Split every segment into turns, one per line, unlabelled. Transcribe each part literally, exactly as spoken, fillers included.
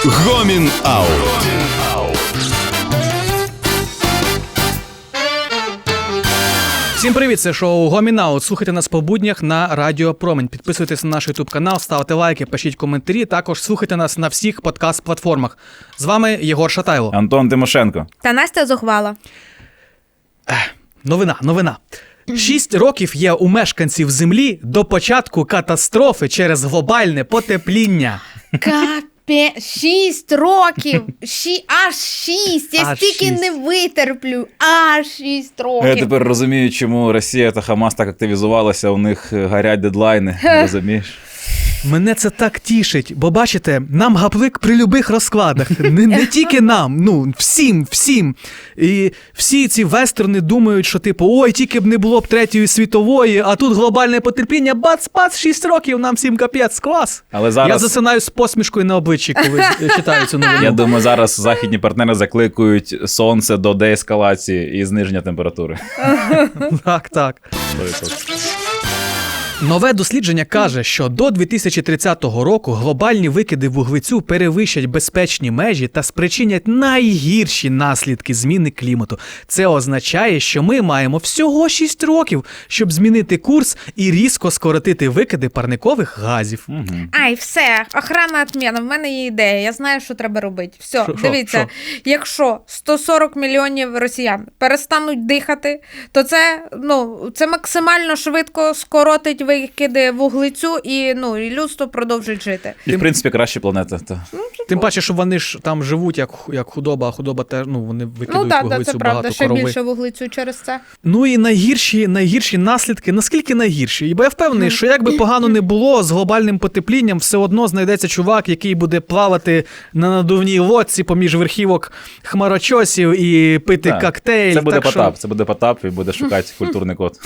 Гомін Аут.
Всім привіт, це шоу Гомін Аут. Слухайте нас по буднях на Радіо Промінь. Підписуйтесь на наш ютуб канал, ставте лайки, пишіть коментарі. Також слухайте нас на всіх подкаст-платформах. З вами Єгор Шатайло.
Антон Тимошенко.
Та Настя Зухвала.
Новина, новина. Шість років є у мешканців Землі до початку катастрофи через глобальне потепління.
Капе, шість років. Ші... Аж шість. Я
Аж
стільки
шість.
не витерплю. Аж шість років.
Я тепер розумію, чому Росія та Хамас так активізувалися, у них горять дедлайни, розумієш?
Мене це так тішить, бо бачите, нам гаплик при любих розкладах. Не, не тільки нам, ну, всім, всім. І всі ці вестерни думають, що типу, ой, тільки б не було б третьої світової, а тут глобальне потерпіння, бац-бац, шість років, нам всім капець, клас.
Але зараз...
Я засинаю з посмішкою на обличчі, коли читаю цю новину.
Я думаю, зараз західні партнери закликають сонце до деескалації і зниження температури.
Так, так. Нове дослідження каже, що до дві тисячі тридцятого року глобальні викиди вуглецю перевищать безпечні межі та спричинять найгірші наслідки зміни клімату. Це означає, що ми маємо всього шість років, щоб змінити курс і різко скоротити викиди парникових газів.
Угу.
Ай, все, охрана відміна, в мене є ідея, я знаю, що треба робити. Все,
Шо, шо,
дивіться,
шо?
якщо сто сорок мільйонів росіян перестануть дихати, то це, ну, це максимально швидко скоротить викиди вуглецю і, ну, і людство продовжить жити.
І, в принципі, краща планета. Та.
Тим паче, що вони ж там живуть як, як худоба, а худоба теж, ну, вони викидують
Ну так, да,
вуглецю
це
багато,
правда, ще
корови.
більше вуглецю через це.
Ну і найгірші, найгірші наслідки, наскільки найгірші? Бо я впевнений, що як би погано не було, з глобальним потеплінням все одно знайдеться чувак, який буде плавати на надувній лодці поміж верхівок хмарочосів і пити
Так.
коктейль.
Це буде
так
Потап,
що...
це буде Потап і буде шукати культурний код.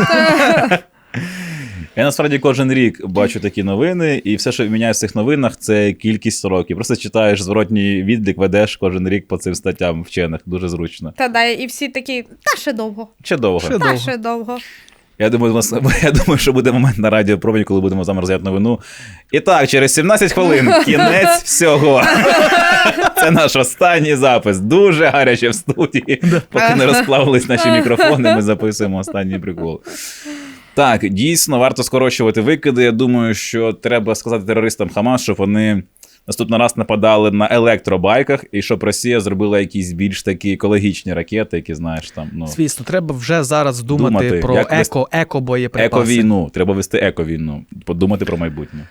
Я насправді кожен рік бачу такі новини, і все, що міняє в цих новинах, це кількість років. Просто читаєш зворотній відлік, ведеш кожен рік по цим статтям вчених. Дуже зручно.
Та да, і всі такі, та ще довго,
Ще довго.
Ще
та
довго.
ще довго.
Я думаю, у нас- я думаю, що буде момент на Радіо Промінь, коли будемо з вами розглядати новину. І так, через сімнадцять хвилин кінець всього. Це наш останній запис. Дуже гаряче в студії. Поки не розплавились наші мікрофони, ми записуємо останній прикол. Так, дійсно, варто скорочувати викиди. Я думаю, що треба сказати терористам Хамас, щоб вони наступний раз нападали на електробайках, і щоб Росія зробила якісь більш такі екологічні ракети, які, знаєш, там, ну,
Звісно, треба вже зараз думати,
Думати,
про
як
еко, еко-боєприпаси.
еко-війну. Треба вести еко-війну. Подумати про майбутнє.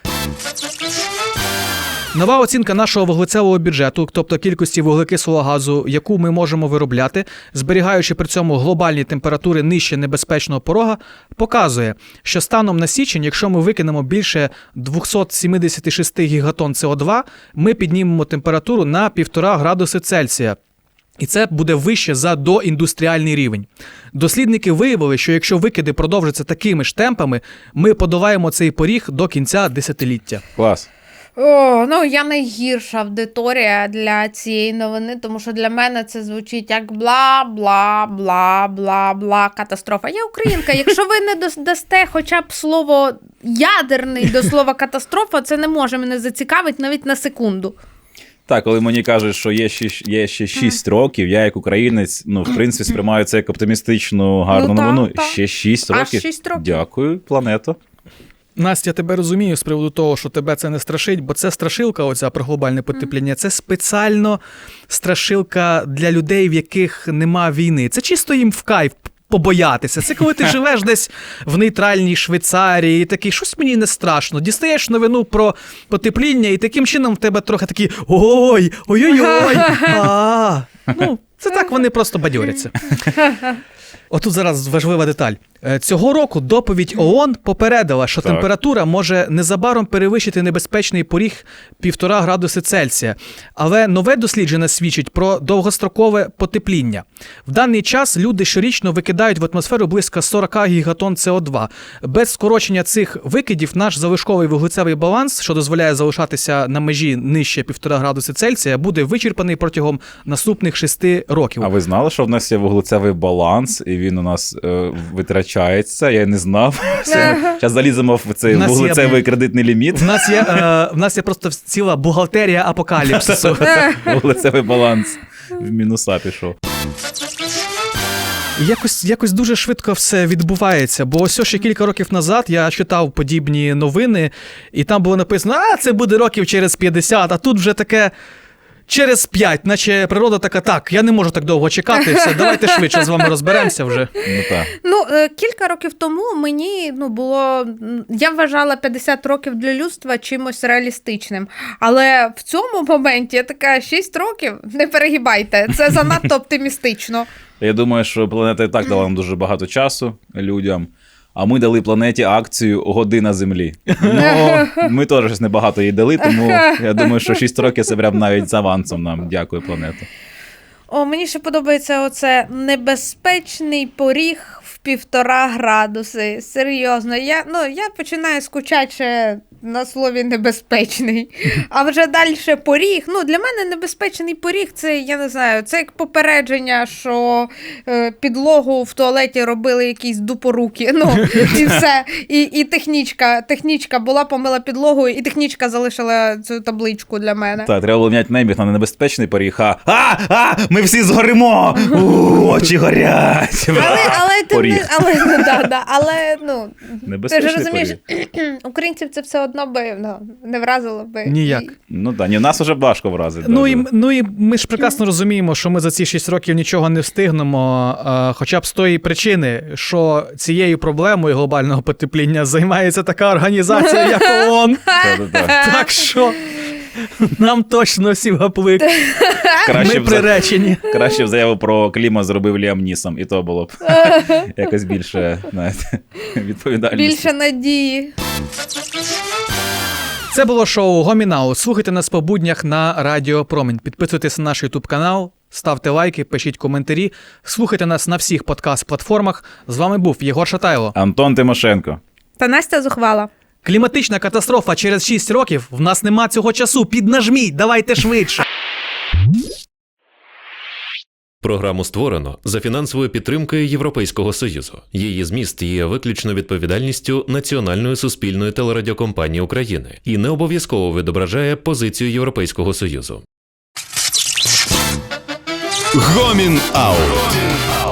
Нова оцінка нашого вуглецевого бюджету, тобто кількості вуглекислого газу, яку ми можемо виробляти, зберігаючи при цьому глобальні температури нижче небезпечного порога, показує, що станом на січень, якщо ми викинемо більше двісті сімдесят шість гігатон С О два, ми піднімемо температуру на півтора градуси Цельсія. І це буде вище за доіндустріальний рівень. Дослідники виявили, що якщо викиди продовжаться такими ж темпами, ми подолаємо цей поріг до кінця десятиліття.
Клас.
О, ну я найгірша аудиторія для цієї новини, тому що для мене це звучить як бла-бла-бла-бла-бла катастрофа. Я українка, якщо ви не дос- дасте хоча б слово ядерний до слова катастрофа, це не може мене зацікавити навіть на секунду.
Так, коли мені кажуть, що є ще, є ще шість років, я як українець, ну, в принципі, сприймаю це як оптимістичну, гарну
Ну, так,
новину.
так.
Ще шість
Аж
років.
шість років.
Дякую, планета.
Настя, я тебе розумію з приводу того, що тебе це не страшить, бо це страшилка оця про глобальне потепління. Це спеціально страшилка для людей, в яких нема війни. Це чисто їм в кайф побоятися. Це коли ти живеш десь в нейтральній Швейцарії і такий, щось мені не страшно. Дістаєш новину про потепління і таким чином в тебе трохи такі ой, ой-ой-ой. А, ну, це так вони просто бадьоряться. Отут зараз важлива деталь. Е, Цього року доповідь ООН попередила, що
Так.
температура може незабаром перевищити небезпечний поріг півтора градуси Цельсія. Але нове дослідження свідчить про довгострокове потепління. В даний час люди щорічно викидають в атмосферу близько сорок гігатон С О два. Без скорочення цих викидів наш залишковий вуглецевий баланс, що дозволяє залишатися на межі нижче півтора градуси Цельсія, буде вичерпаний протягом наступних шести років.
А ви знали, що в нас є вуглецевий баланс, і він у нас е, витрачається, я не знав. Зараз заліземо в цей вуглецевий є... кредитний ліміт.
В нас є, е, в нас є просто ціла бухгалтерія апокаліпсису.
Вуглецевий баланс в мінуса пішов.
Якось, якось дуже швидко все відбувається, бо ось ще кілька років назад я читав подібні новини, і там було написано, а це буде років через п'ятдесят, а тут вже таке через п'ять, наче природа така, так, я не можу так довго чекати, все, давайте швидше з вами розберемося вже.
Ну, так.
Ну, кілька років тому мені, ну, було, я вважала п'ятдесят років для людства чимось реалістичним, але в цьому моменті я така, шість років, не перегибайте, це занадто оптимістично.
Я думаю, що планета і так дала нам дуже багато часу людям, а ми дали планеті акцію «Година Землі». Ну, ми теж щось небагато їй дали, тому я думаю, що шість років це прям навіть з авансом нам. Дякую, планета.
О, мені ще подобається оце небезпечний поріг в півтора градуси. Серйозно, я, ну, я починаю скучати ще на слові небезпечний. А вже далі поріг. Ну, для мене небезпечний поріг, це, я не знаю, це як попередження, що е, підлогу в туалеті робили якісь дупоруки. Ну, і все. І, і технічка, технічка була, помила підлогу, і технічка залишила цю табличку для мене.
Так, треба було міняти небіг на небезпечний поріг, а, а, а, ми всі згоримо, у, очі горять.
Але, але, ти не, але, ну, да, да, але, ну, ти ж розумієш, українців це все одно би, ну, не вразило би.
Ніяк.
Ну так, ні, нас вже важко вразити.
Ну,
да,
і,
да.
ну і ми ж прекрасно розуміємо, що ми за ці шість років нічого не встигнемо, а, хоча б з тої причини, що цією проблемою глобального потепління займається така організація, як ООН. Так що нам точно всі гаплик. Ми приречені.
Краще б заяву про клімат зробив Ліам Нісом, і то було б якось більше, знаєте, відповідальності.
Більше надії.
Це було шоу Гомінау. Слухайте нас по буднях на Радіо Промінь. Підписуйтесь на наш YouTube канал, ставте лайки, пишіть коментарі. Слухайте нас на всіх подкаст-платформах. З вами був Єгор Шатайло.
Антон Тимошенко.
Та Настя Зухвала.
Кліматична катастрофа через шість років. В нас нема цього часу. Піднажміть, давайте швидше.
Програму створено за фінансовою підтримкою Європейського Союзу. Її зміст є виключно відповідальністю Національної суспільної телерадіокомпанії України і не обов'язково відображає позицію Європейського Союзу.
Гомін Аут.